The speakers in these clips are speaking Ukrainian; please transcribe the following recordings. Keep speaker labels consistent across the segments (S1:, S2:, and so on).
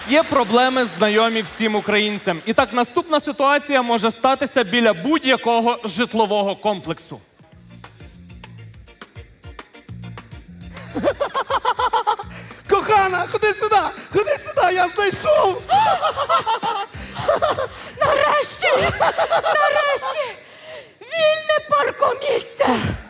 S1: Є проблеми, знайомі всім українцям. І так, наступна ситуація може статися біля будь-якого житлового комплексу.
S2: Кохана, ходи сюди! Ходи сюди, я знайшов!
S3: Нарешті! Нарешті! Вільне паркомісце!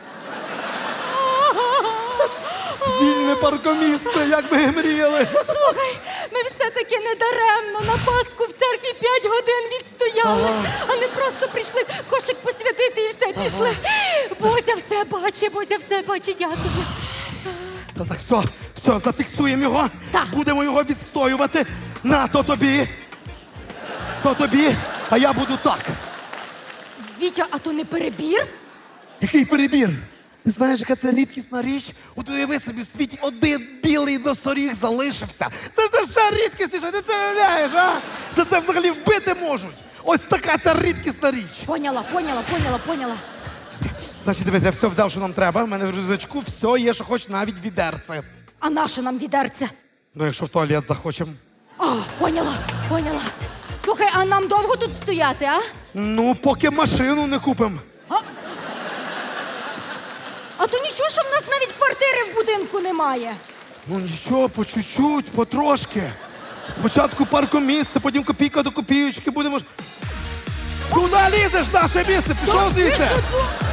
S2: Вільне паркомісце, як ми мріяли!
S3: Слухай, ми все-таки не даремно на Пасху в церкві 5 годин відстояли, а не просто прийшли кошик посвятити і все, пішли. Бозя все бачить, Бозя все бачить, дякую.
S2: Та так, все, зафіксуємо його.
S3: Так.
S2: Будемо його відстоювати. На, то тобі, а я буду так.
S3: Вітя, а то не перебір?
S2: Який перебір? Ти знаєш, яка це рідкісна річ? От уяви собі, в світі один білий носоріг залишився. Це ж ще рідкісніше, ти це уявляєш, а? Це взагалі вбити можуть. Ось така ця рідкісна річ.
S3: Поняла.
S2: Значить, дивись, я все взяв, що нам треба. У мене в рюкзачку все є, що хоч навіть відерце.
S3: А нащо нам відерце?
S2: Ну, якщо в туалет захочемо.
S3: А, поняла. Слухай, а нам довго тут стояти, а?
S2: Ну, поки машину не купимо.
S3: А то нічого, що в нас навіть квартири в будинку немає.
S2: Ну нічого, по чуть-чуть, потрошки. Спочатку паркомісце, потім копійка до копійочки будемо. Куди лізеш в наше місце? Пішов звідси!